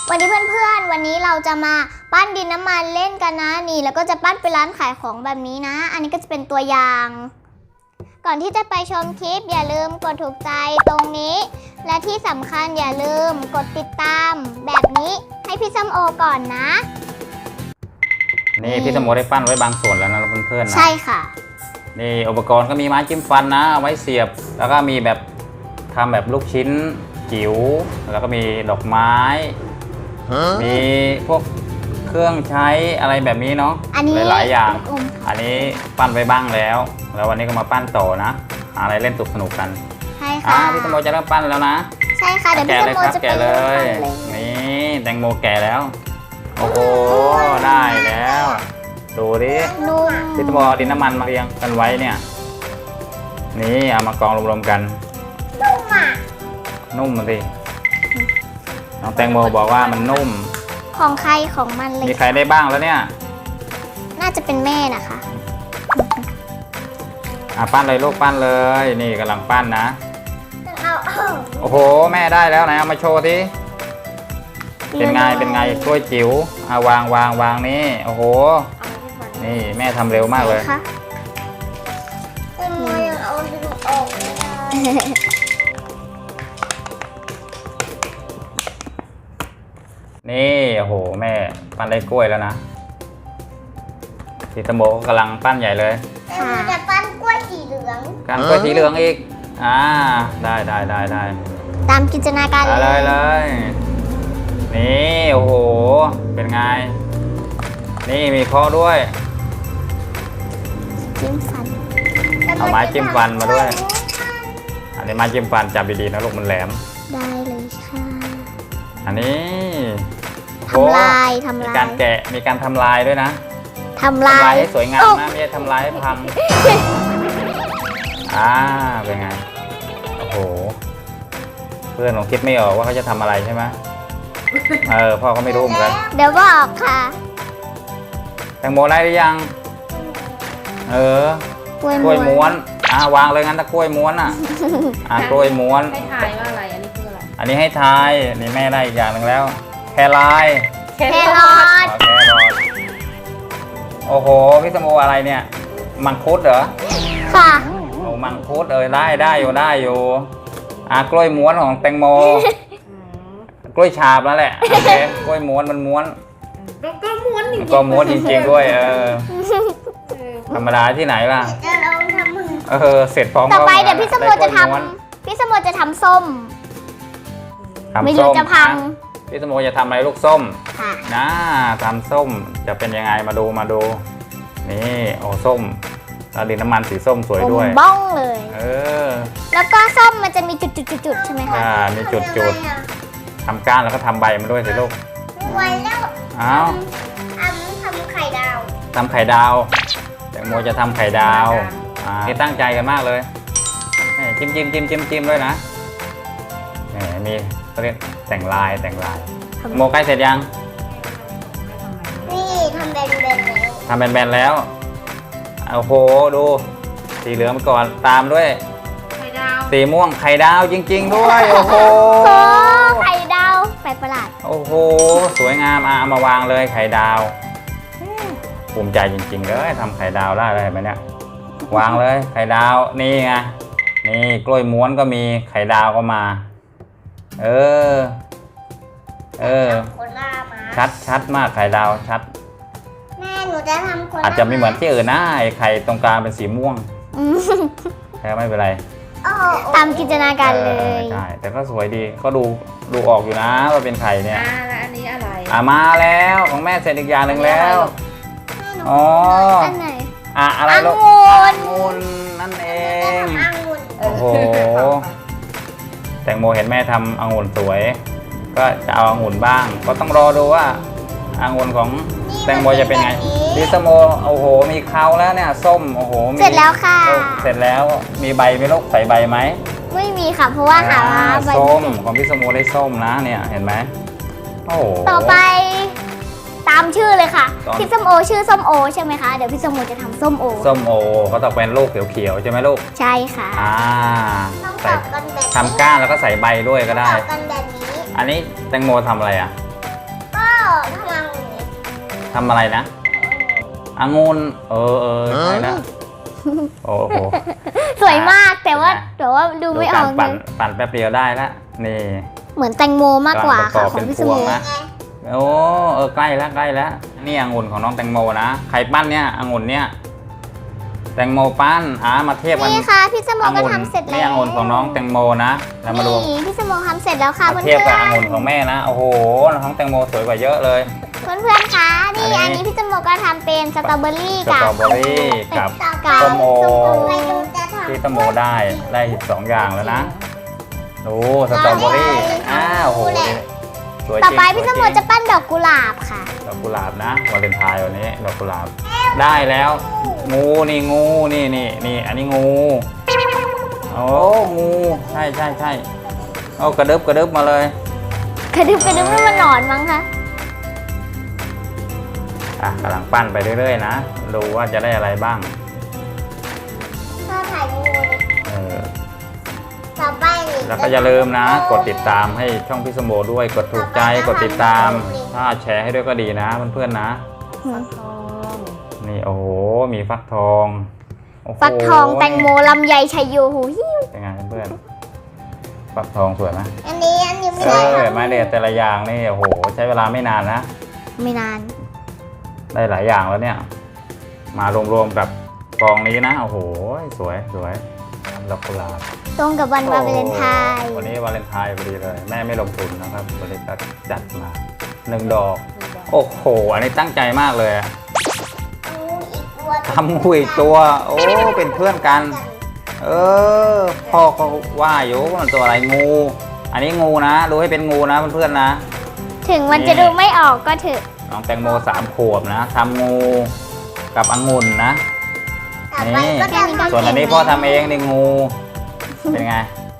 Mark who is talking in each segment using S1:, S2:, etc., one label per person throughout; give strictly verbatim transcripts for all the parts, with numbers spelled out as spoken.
S1: วันนี้เพื่อนๆวันนี้เราจะมาปั้นดินน้ำมันเล่นกันนะนี่แล้วก็จะปั้นเป็นร้านขายของแบบนี้นะอันนี้ก็จะเป็นตัวอย่าง ก่อนที่จะไปชมคลิปอย่าลืมกดถูกใจตรงนี้และที่สำคัญอย่าลืมกดติดตามแบบนี้ให้พี่ส้มโอก่อนนะ
S2: นี่พี่สมโอได้ปั้นไว้บางส่วนแล้วนะเพื่อนๆนะ
S1: ใช่ค่ะ
S2: นี่อุปกรณ์ก็มีไม้จิ้มฟันนะเอาไว้เสียบแล้วก็มีแบบทำแบบลูกชิ้นจิ๋วแล้วก็มีดอกไม้มีพวกเครื่องใช้อะไรแบบนี้เนาะหลายๆอย่างอันนี้ปั้นไว้บ้างแล้วแล้ววันนี้ก็มาปั้นต่อนะหาอะไรเล่นสนุกๆกัน
S1: ใช่ค่ะ
S2: พี่สมโอจะเริ่มปั้นแล้วนะ
S1: ใช่ค่ะเดี๋ยวพี่สมโอจะไป
S2: แกะเลยนี่แตงโมแกะแล้วโอ้โหได้แล้วดูดิ
S1: นุ่ม
S2: พี่สมโอดินน้ำมันมาเรียงกันไว้เนี่ยนี่เอามากองรวมๆกัน
S1: นุ่มอ่ะ
S2: นุ่มสิน้องแตงโมบอกว่ามันนุ่ม
S1: ของใครของมันเลย
S2: มีใครได้บ้างแล้วเนี่ย
S1: น่าจะเป็นแม่นะคะ
S2: อ่ะปั้นเลยลูกปั้นเลยนี่กำลังปั้นนะโอ้โหแม่ได้แล้วนะเอามาโชว์ทีเป็นไงเป็นไงกล้วยจิ๋วเอาวางวางวางนี่โอ้โหนี่แม่ทำเร็วมากเลย
S1: เป็นไงยังเอาดึงออกไม่ได้
S2: นี่โอ้โหแม่ปั้นได้กล้วยแล้วนะพี่ตะโมกำลังปั้นใหญ่เลย
S1: จะปั้นกล้วยสีเหลือง
S2: การกล้วยสีเหลืองอีกอ่าได้ได้ได้ได้
S1: ตามจินตนาการ
S2: เลยเลยนี่โอ้โหเป็นไงนี่มีข้อด้วย
S1: จิ้มฟัน
S2: เอาไม้จิ้มฟันมาด้วยอันนี้ไม้จิ้มฟันจับดีๆนะลูกมันแหลม
S1: ได้เลยค่ะ
S2: อันนี้
S1: ทำลายทำลาย
S2: มีการแกะมีการทำลายด้วยนะ
S1: ทำลาย
S2: ให้สวยงามนะไม่ใช่ทำลายให้พังอ่าเป็นไงโอ้โหเพื่อนผมคิดไม่ออกว่าเขาจะทำอะไรใช่ไหมเออพ่อก็ไม่รู้เหมือนกัน
S1: เดี๋ยวบอกค่ะ
S2: แตงโมได้หรือยังเออกล้วยม้วนอ่าวางเลยงั้นถ้ากล้วยม้วนอ่ะอ่ากล้วยม้วน
S3: ให้ทายว่าอะไรอันนี้คืออะไร
S2: อันนี้ให้ทายนี่แม่ได้อีกอย่างหนึ่งแล้วแคราย
S1: แครอท
S2: แครอทโอ้โหพี่สมโออะไรเนี่ยมังคุดเหรอ
S1: ค่ะ
S2: โอ้มังคุดเออได้ได้อยู่ได้อยู่อ่ากล้วยม้วนของแตงโมกล้วยฉาบแล้วแหละโอเคกล้วยม้วนมันม้วน
S3: ก็ม้วนจริง
S2: ก็ม้วนจริงๆด้วยเออธรรมดาที่ไหนล่ะเออเสร็จพร้อม
S1: ต่อไปเดี๋ยวพี่สมโอจะทำพี่สมโอจะทำส้มไม่รู้จะพัง
S2: พี่สมโอจะทำอะไรลูกส้มนะทำส้มจะเป็นยังไงมาดูมาดูนี่โอ้ส้มแล้วดินน้ำมันสีส้มสวยด้วย
S1: บ้องเลย
S2: เออ
S1: แล้วก็ส้มมันจะมีจุดๆๆใช่ไหมคะ
S2: อ่ามีจุดๆทำก้านแล้วก็ทำใบมาด้วยสิลูก
S1: ไว้แล้ว
S2: อ้าว
S1: ทำไข่ดาว
S2: ทำไข่ดาวแตงโมจะทำไข่ดาวอ่านี่ตั้งใจกันมากเลยจิ้มจิ้มจิ้มจิ้มจิ้มด้วยนะนี่มีเขาเรียกแต่งลายแต่งลายโมใกล้เสร็จยัง
S1: นี่ทำแบนๆแล้ว
S2: ทำแบนๆแล้วโอ้โหดูสีเหลืองไปก่อนตามด้วย
S3: ไข่ดาว
S2: สีม่วงไข่ดาวจริงๆด้วยโอ้โห
S1: ไข่ดาวแปลกประหลาด
S2: โอ้โหสวยงามอ่ะเอามาวางเลยไข่ดาวภูมิใจจริงๆเลยทำไข่ดาวได้เลยไหมเนี่ยวางเลยไข่ดาวนี่ไงนี่กล้วยม้วนก็มีไข่ดาวก็มาเออเออชัดชัดมากไข่ดาวชัด
S1: แม่หนูจะทำคน
S2: อาจจะไม่เหมือนที่อื่นนะไอ้ไข่ตรงกลางเป็นสีม่วงแค่ไม่เป็นไร
S1: ตามจินตนาการเลย
S2: ใช่แต่ก็สวยดีก็ดูดูออกอยู่นะว่าเป็นไข่เนี่ย
S3: อ่าแล้วอันนี้อะไร
S2: อ่ามาแล้วของแม่เสร็จอีกอย่างหนึ่งแล้วอ๋อ
S1: อันไหน
S2: อ่ะอะไรลูกองุ่นนั่นเองโอ้โหแตงโมเห็นแม่ทำองุ่นสวยก็จะเอาองุ่นบ้างก็ต้องรอดูว่าองุ่นของแตงโมจะเป็นไงพี่สมโอโอ้โหมีเขาแล้วเนี่ยส้มโอ้โห
S1: เสร็จแล้วค่ะ
S2: เสร็จแล้วมีใบไหมลูกใส่ใบไหม
S1: ไม่มีค่ะเพราะว่าหา
S2: ใบส้มของพี่สมโอได้ส้มนะเนี่ยเห็นไหมโอ้
S1: ต่อไปตามชื่อเลยค่ะพี่ส้มโอชื่อส้มโอใช่ไหมคะเดี๋ยวพี่ส้มโอจะทำส้มโอ
S2: ส้มโอก็ต้องเป็นลูกเขียวๆใช่ไหมลูก
S1: ใช่ค่ะ
S2: อ่าใส่ทำก้านแล้วก็ใส่ใบด้วยก็ได้อันนี้แตงโมทำอะไรอ่ะทำอะไรนะองุ่นเออเออใช่แล้วโอ้โห
S1: สวยมากแต่ว่า
S2: นะ
S1: แต่ว่าดูไม่ออก
S2: ปั่น
S1: เลย
S2: ปั่นแป๊บเดียวได้ละนี่
S1: เหมือนแตงโมมากกว่าค่ะ
S2: ำลั
S1: ของ
S2: ประบ
S1: พี่ส
S2: เป็นพ
S1: โม
S2: วงนะโอ้เออใกล้แล้วใกล้แล้วนี่องุ่นของน้องแตงโมนะใครปั้นเนี่ยองุ่นเนี่ยแตงโมปั้นอ่ามาเทียบกัน
S1: นี่ค่ะพี่สโม
S2: อ
S1: ก็
S2: งุ่น
S1: ทำเสร็จแล้ว
S2: นี่องุ่นของน้องแตงโมนะแล้วมาดู
S1: นี่พี่สโมทำเสร็จแล้วค่ะ
S2: มา
S1: เพื่อน
S2: เทียบกับ
S1: ๆ
S2: องุ่นของแม่นะโอ้โหน้องแตงโมสวยกว่าเยอะเลย
S1: เพื่อนๆคะนี่
S2: อั
S1: อั
S2: น
S1: น
S2: นี้
S1: นี้พี่สโมก็ทำเป็นสตรอเบอรี่
S2: ส
S1: กับ
S2: ตรอเบอรี่กับ
S1: กับ
S2: ส้มโอ
S1: ไม่รู้จะทำ
S2: ที่ตโมได้ได้สองอย่างแล้วนะดูสตรอเบอรี่อ้าวโหสวยจริง
S1: ต่อไปพี่ส
S2: วย
S1: โม
S2: ริง
S1: จะปั้นดอกกุหลาบค่ะ
S2: ดอกกุหลาบนะวาเลนไทน์วันนี้ดอกกุหลาบได้แล้วงูนี่งูนี่นี่นี่อันนี้งูโอ้งูใช่ใช่ใช่โอ้กระดึบกระดึบมาเลย
S1: กระดึบกระดึบให้มันหนอนมั้งคะ
S2: อ่ะกำลังปั้นไปเรื่อยๆนะดูว่าจะได้อะไรบ้าง
S1: ถ้าถ่ายงูเลย
S2: เออ
S1: ต่อไปนี่
S2: แล้วก็อย่าลืมนะ กดติดตามให้ช่องพี่สมโบด้วยกดถูกใจกดติดตาม ถ้าแชร์ให้ด้วยก็ดีนะเพื่อนๆนะ
S3: ฟักทอง
S2: นี่โอ้โหมีฟักทองโโห
S1: ฟักทองแตงโมลำไยชัยโยหูหิ้ว
S2: เป็นไงเพื่อนๆฟักทองสวยไหม
S1: อันนี้อันนี้ไม่
S2: เอ
S1: ได้
S2: อไม้เด็ดแต่ละอย่างนี่โอ้โหใช้เวลาไม่นานนะ
S1: ไม่นาน
S2: ได้หลายอย่างแล้วเนี่ย มารวมๆกับกองนี้นะโอ้โหสวยสวยดอกกุหลาบ
S1: ตรงกับวันวาเลนไทน์
S2: โอ้วันนี้วาเลนไทน์พอดีเลย แม่ไม่ลงทุนนะครับบริษัทจัดมาหนึ่งดอก โอ้โหอันนี้ตั้งใจมากเลยอะทำงูอีกตัว โอ้เป็นเพื่อนกัน เออพ่อเขาว่าอยู่ว่ามันตัวอะไรงู อันนี้งูนะดูให้เป็นงูนะเพื่อนๆนะ
S1: ถึงมันจะดูไม่ออกก็เถอะ
S2: น้องแตงโมสามขวบนะทำงูกับองุ่นนะนี่ส่วนอันนี้พ่อทำเองนี่งู เป็นไง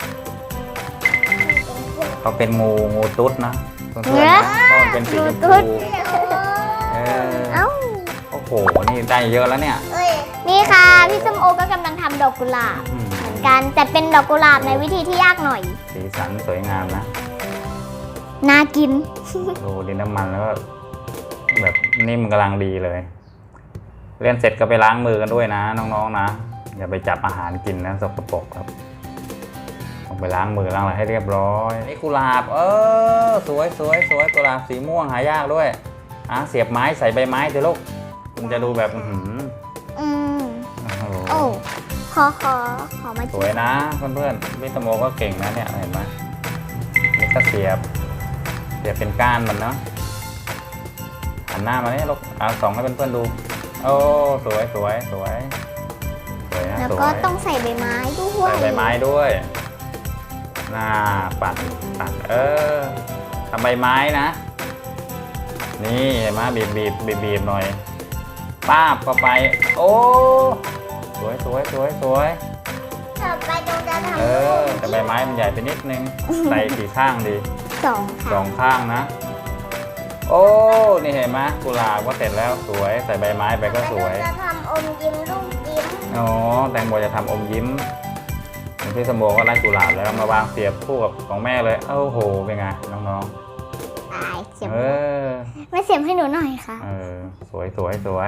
S2: เขาเป็นงูงูตุ๊ดนะเพื่อนๆนะเพราะมันเป็นสีชมพูเออ
S1: เอ้า
S2: โอ้โหนี่ได้เยอะแล้วเนี่ย
S1: นี่ค่ะพี่ส้มโอก็กำลังทำดอกกุหลาบ
S2: อืม
S1: เหมือนกันแต่เป็นดอกกุหลาบในวิธีที่ยากหน่อย
S2: สีสันสวยงามนะ
S1: น่ากิน
S2: ดูดินน้ำมันแล้วก็แบบนิ่มกำลังดีเลย เล่นเสร็จก็ไปล้างมือกันด้วยนะน้องๆนะอย่าไปจับอาหารกินนะสกปรกครับต้องไปล้างมือล้างอะไรให้เรียบร้อยนี่กุหลาบเออสวยสวยสวยกุหลาบสีม่วงหายากด้วยอ่ะเสียบไม้ใส่ใบไม้เถอะลูกมันจะดูแบบอื้อหือ
S1: อืม
S2: โอ้โห
S1: โอ้ขอขอขอมา
S2: สวยนะเพื่อนๆวิตาโมก็เก่งนะเนี่ยเห็นไหมนี่ก็เสียบเสียบเป็นก้านมันเนาะหันหน้ามาเนี่ยลูกเอาส่องให้เพื่อนๆดูโอ้สวยสวยสวยสวยนะ
S1: แล้ว
S2: สวย
S1: ก็ต้องใส่ใบไม้ด้วย
S2: ใส่ใบไม้ด้วยหน้าปัดปัดเออทำใบไม้นะนี่เห็นไหมบีบบีบบีบบีบหน่อยป้าบเข้าไปโอ้สวยสวยสวยสวย
S1: ต่อไปตรงจะทำ
S2: เออแต่ใบไม้มันใหญ่ไปนิดนึงใส่กี่ข้างดี
S1: สอง
S2: ส
S1: ค่ะ
S2: องข้างนะ โอ้นี่เห็นไหมกุหลาบก็เสร็จแล้วสวยใส่ใบไม้ไปก็สวย
S1: จะทำอมยิ้มลูกยิ้ม
S2: อ๋อแตงโมจะทำอมยิ้มพี่สมโบก็ได้กุหลาบแล้วมาวางเสียบคู่กับของแม่เลยโอ้โหเป็นไงน้อง
S1: ตายเสีย
S2: ๆ
S1: บ
S2: เออ
S1: ไม่เสียบให้หนูหน่อยค่ะ
S2: เออสวยสวยสวย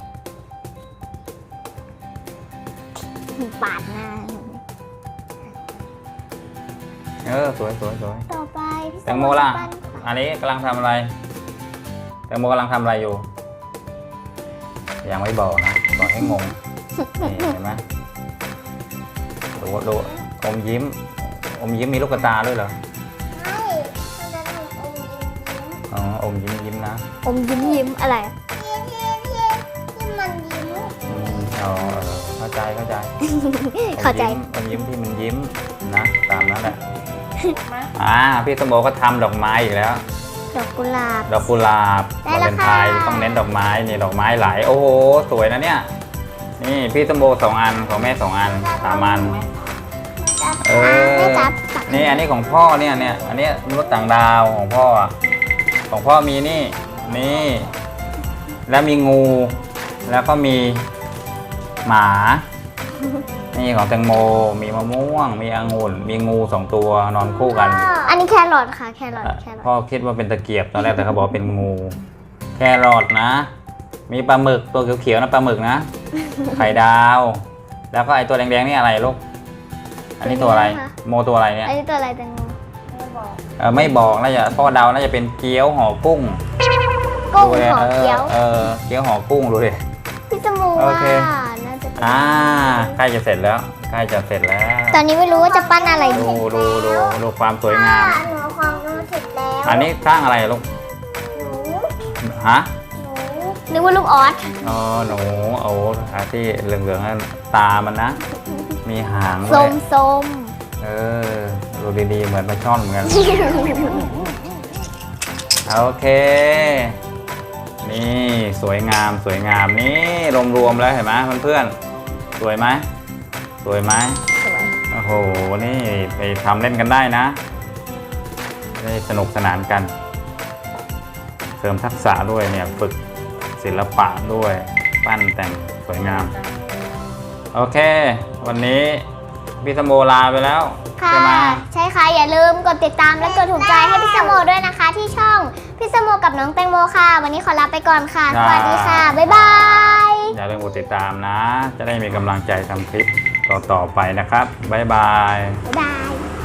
S1: ปาดหน้า
S2: เออสวยสวยสวย
S1: ต่อไปพี่
S2: แตงโมล่ะ
S1: ปั้นค่ะ
S2: อันนี้กำลังทำอะไรแตงโมกำลังทำอะไรอยู่ยังไม่บอกนะบอกให้งงนี่เห็นไหมดูดูอมยิ้ม อมยิ้มมีลูกตาด้วยเหรอ
S1: ไม่มันจะทำอมยิ้มยิ้ม
S2: อ๋ออมยิ้มยิ้มนะ
S1: อมยิ้มยิ้มอะไร ที่ที่ที่ที่มันยิ้ม
S2: อืมอ๋อเออเข้าใจเข้าใจ
S1: เข้าใจ
S2: อมยิ้มอมยิ้มที่มันยิ้มนะตามนั้นแหละ
S3: มา
S2: อ่าพี่สมโบก็ทำดอกไม้อีกแล้ว
S1: ดอกกุหลาบ
S2: ดอกกุหลาบ
S1: ได้
S2: วา
S1: แล้
S2: เล
S1: วน
S2: ไทน์
S1: ค่ะ
S2: ต้องเน้นดอกไม้นี่ดอกไม้หลายโอ้โหสวยนะเนี่ยนี่พี่สมโบสองอันของแม่สองอันสามอัน เออ
S1: ไม่จับตัก
S2: นี่อันนี้ของพ่อเนี่ยเนี่ยอันนี้มนุษย์ต่างดาวของพ่ออะของพ่อมีนี่นี่ แล้วมีงู แล้วก็มีหมา นี่ของแตงโมมีมะม่วง มีองุ่นมีงูสองตัวนอนคู่กัน
S1: อันนี้แครอทค่ะแครอทแครอท
S2: พ่อคิดว่าเป็นตะเกียบตอนแรกแต่เขาบอกเป็นงูแครอทนะ มีปลาหมึกตัวเขียวๆนะปลาหมึกนะ ไข่ดาว แล้วก็ไอตัวแดงๆนี่อะไรลูก อันนี้ตัวอะไร โมตัวอะไรเนี่ย
S1: อันนี้ตัวอะไรแตงโม
S2: เออไม่บอกน่าจะพ่อเดาน่าจะเป็นเกี๊ยวห่อกุ้ง
S1: กุ้ง
S2: ดูดิ
S1: ห่อเกี๊ยว
S2: เออเกี๊ยวห่อกุ้งดูดิ
S1: พี่สมู
S2: โอ
S1: ว่า
S2: เค
S1: น่าจะเป็น
S2: อ่าใกล้จะเสร็จแล้วใกล้จะเสร็จแล้ว
S1: ตอนนี้ไม่รู้ว่าจะปั้นอะไร
S2: ดู
S1: ดี
S2: ดูดูดูความสวยงาม
S1: หนูความรู้สึกแล้ว
S2: อันนี้สร้างอะไรลูก
S1: หนู
S2: ฮะ
S1: หนูนึกว่าลูกออส
S2: อ๋อหนูโอ้อาที่เหลืองๆนั่นตามันนะ มีหางด้
S1: ส้
S2: วย
S1: มส้ม
S2: เออดูดีๆเหมือนปลาช่อนเหมือนกัน โอเค นี่สวยงามสวยงามนี่รวมๆแล้วเห็นไหมเพื่อนๆสวยไหมสวยไหม
S1: สวย
S2: โอ้โหนี่ไปทำเล่นกันได้นะได้สนุกสนานกัน เสริมทักษะด้วยเนี่ยฝึกศิลปะด้วยปั้นแต่งสวยงาม โอเค วันนี้พี่สมโมลาไปแล้ว
S1: ค่ะ
S2: ใช่ไหม
S1: ใช่ค่ะ อย่าลืมกดติดตามและกดถูกใจให้พี่สโมด้วยนะคะ ที่ช่องพี่สโมกับน้องแตงโมค่ะ วันนี้ขอลาไปก่อนค่ะ สวัสดีค่ะ บ๊ายบาย
S2: อย่าลืมกดติดตามนะ จะได้มีกำลังใจทำคลิปต่อๆไปนะครับ บ๊ายบาย
S1: บ๊ายบาย